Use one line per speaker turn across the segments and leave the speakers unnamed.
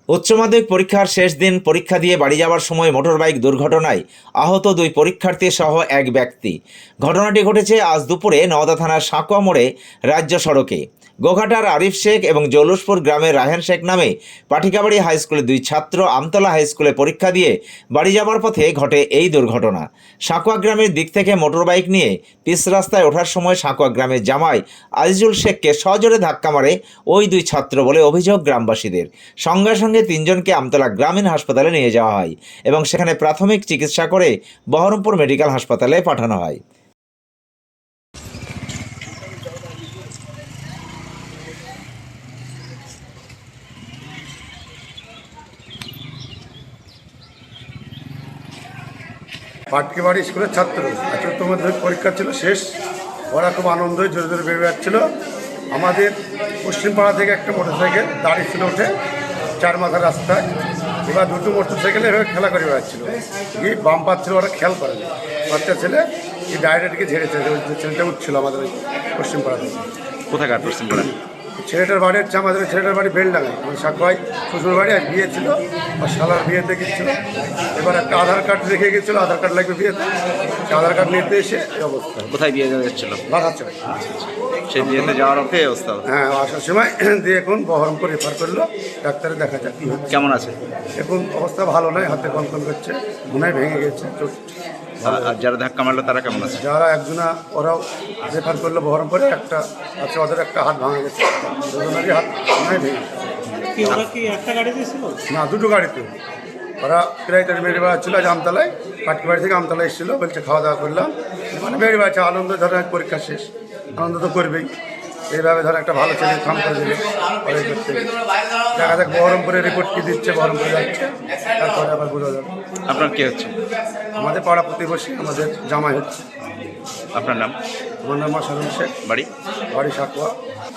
উচ্চ মাধ্যমিক পরীক্ষার শেষ দিন পরীক্ষা দিয়ে বাড়ি যাওয়ার সময় মোটরবাইক দুর্ঘটনায় আহত দুই পরীক্ষার্থী সহ এক ব্যক্তি। ঘটনাটি ঘটেছে আজ দুপুরে নওদা থানার সাঁকোয়া মোড়ে রাজ্য সড়কে। গোঘাটার আরিফ শেখ এবং জৌলুসপুর গ্রামের রাহেন শেখ নামে পাটিকাবাড়ি হাই স্কুলের দুই ছাত্র আমতলা হাই স্কুলে পরীক্ষা দিয়ে বাড়ি যাওয়ার পথে ঘটে এই দুর্ঘটনা। সাঁকোয়া গ্রামের দিক থেকে মোটরবাইক নিয়ে পিচ রাস্তায় ওঠার সময় সাঁকোয়া গ্রামের জামাই আজিজুল শেখকে সজোরে ধাক্কা মারে ওই দুই ছাত্র বলে অভিযোগ গ্রামবাসীদের। সঙ্গে সঙ্গে তিনজনকে আমতলা গ্রামীণ হাসপাতালে নিয়ে যাওয়া হয় এবং সেখানে প্রাথমিক চিকিৎসা করে বহরমপুর মেডিকেল হাসপাতালে পাঠানো হয়।
পাটকিবাড়ি স্কুলের ছাত্র আজ উচ্চ মাধ্যমিক পরীক্ষা ছিল শেষ। ওরা খুব আনন্দই জোরে জোরে বেরিয়ে যাচ্ছিল। আমাদের পশ্চিমপাড়া থেকে একটা মোটরসাইকেল দাঁড়িয়ে ছিল উঠে চার মাথার রাস্তায়। এবার দুটো মোটরসাইকেলে এভাবে খেলা করে বেড়াচ্ছিল, গিয়ে বাম পাচ্ছিল, ওরা খেয়াল করেনি। বাচ্চা ছেলে এই ডাইরেক্টকে ঝেড়েছে। ছেলেটা উঠছিল আমাদের ওই পশ্চিমপাড়া থেকে।
কোথাকার পশ্চিমপাড়া?
ছেলেটার বাড়ি হচ্ছে আমাদের ছেলেটার বাড়ি বেলডাঙ্গায়, মানে সাকোয়াই শ্বশুর বাড়ি। আর বিয়ে ছিল, আর শালার বিয়েতে গেছিলো। এবার একটা আধার কার্ড রেখে গেছিলো, আধার কার্ড লাগবে বিয়েতে। সে আধার কার্ড নিতে এসে এই অবস্থা।
কোথায় বিয়ে যাচ্ছিল?
বাঘাচ্ছে।
সেই বিয়েতে যাওয়ার পথে এই অবস্থা।
হ্যাঁ, আসার সময় দিয়ে এখন বহরমপুর রেফার করলো, ডাক্তারে দেখা যাক কী হচ্ছে।
কেমন আছে
এখন? অবস্থা ভালো নয়, হাতে কনকন করছে, মনে ভেঙে গেছে চোট।
আর যারা ধাক্কা মারলো তারা কেমন আছে?
যারা একজনা ওরাও রেফার করলো বহরমপুরে, একটা আছে ওদের একটা হাত ভাঙা গেছে, দুজনেরই হাত মনে ভেঙে গেছে।
ওরা কি একটা গাড়িতে ছিল?
না, দুটো গাড়িতে। ওরা প্রায় তার বেড়ে বেড়াচ্ছিল আজ আমতলায়, পাটকিবাড়ি থেকে আমতলায় এসেছিলো। বলছে খাওয়া দাওয়া করলাম, মানে বেড়ে বেড়াচ্ছে আনন্দ। ধরেন পরীক্ষা শেষ, আনন্দ তো করবেই। এইভাবে ধর একটা ভালো ছেলে কাম করে দেবে করতে। দেখা যাক বহরমপুরের রিপোর্ট কী দিচ্ছে, বহরমপুরে যাচ্ছে, তারপরে আবার বোঝা যাবে।
আপনার কে হচ্ছে?
আমাদের পাড়া প্রতিবেশী, আমাদের জামাই হচ্ছে।
আপনার নাম?
আমার নাম মাসারুল শেখ,
বাড়ি?
বাড়ি সাঁকোয়া।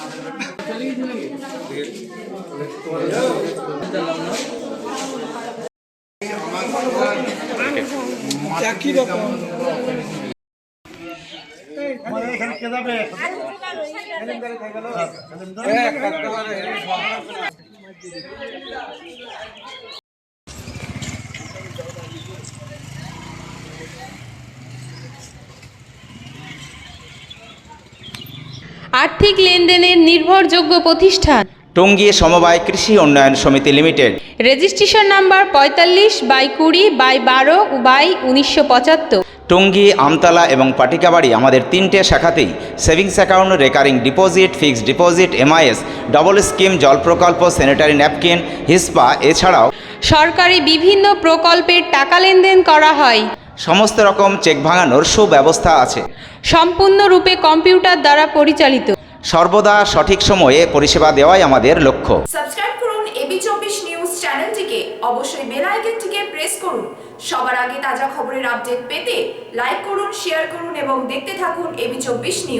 একই রকম।
আর্থিক লেনদেনের নির্ভরযোগ্য প্রতিষ্ঠান
টঙ্গী সমবায় কৃষি উন্নয়ন সমিতি limited.
Registration number 45/20/22/1975।
Tongi, Amtala এবং পাটিকাবাড়ি আমাদের তিনটে শাখাতেই savings account, recurring deposit, fixed deposit, MIS, double scheme, জল প্রকল্প, স্যানিটারি ন্যাপকিন, হিসপা, এছাড়াও
সরকারি বিভিন্ন প্রকল্পের টাকা লেনদেন করা হয়।
সমস্ত রকম চেক ভাঙানোর সুব্যবস্থা আছে।
সম্পূর্ণরূপে কম্পিউটার দ্বারা পরিচালিত।
সর্বদা সঠিক সময়ে পরিষেবা দেওয়াই আমাদের লক্ষ্য।
সাবস্ক্রাইব করুন এবি24 নিউজ চ্যানেলটিকে, অবশ্যই বেল আইকনটিকে প্রেস করুন। সবার আগে তাজা খবরের আপডেট পেতে লাইক করুন, শেয়ার করুন এবং দেখতে থাকুন এবি24 নিউজ।